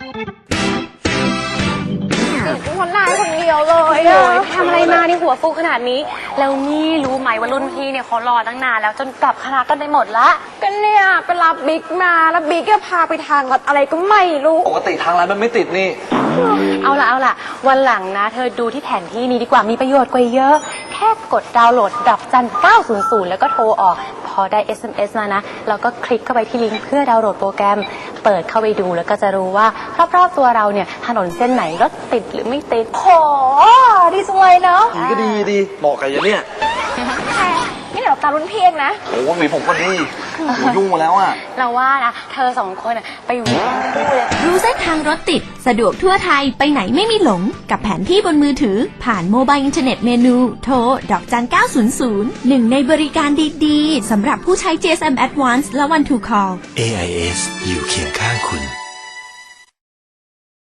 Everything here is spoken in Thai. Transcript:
คนนายคนเดียวเลยทำอะไรมาที่หัวฟูขนาดนี้แล้วนี่รู้ไหมว่ารุ่นพี่เนี่ยเขารอตั้งนานแล้วจนกลับคณะกันไปหมดละก็เนี่ยไปรับบิ๊กมาแล้วบิ๊กก็พาไปทางลัดอะไรก็ไม่รู้ปกติทางร้านมันไม่ติดนี่เอาล่ะวันหลังนะเธอดูที่แผนที่นี้ดีกว่ามีประโยชน์กว่าเยอะแค่กดดาวน์โหลดดอกจัน900แล้วก็โทรออกพอได้ SMS มานะเราก็คลิกเข้าไปที่ลิงก์เพื่อดาวน์โหลดโปรแกรมเปิดเข้าไปดูแล้วก็จะรู้ว่ารอบๆตัวเราเนี่ยถนนเส้นไหนรถติดหรือไม่ติดโหดีจังเลยเนาะก็ดีเหมาะกับอย่างเนี้ยนี่เดี๋ยวตารุ่นพี่เองนะโอ้หวีผมก็ดียุ่งมาแล้วอะเราว่านะเธอสองคนไปหวีรู้เส้นทางรถติดสะดวกทั่วไทยไปไหนไม่มีหลงกับแผนที่บนมือถือผ่านโมบายอินเทอร์เน็ตเมนูโทรดอกจัน900หนึ่งในบริการดีๆสำหรับผู้ใช้ GSM Advance และ One to Call AIS อยู่เคียงข้างคุณ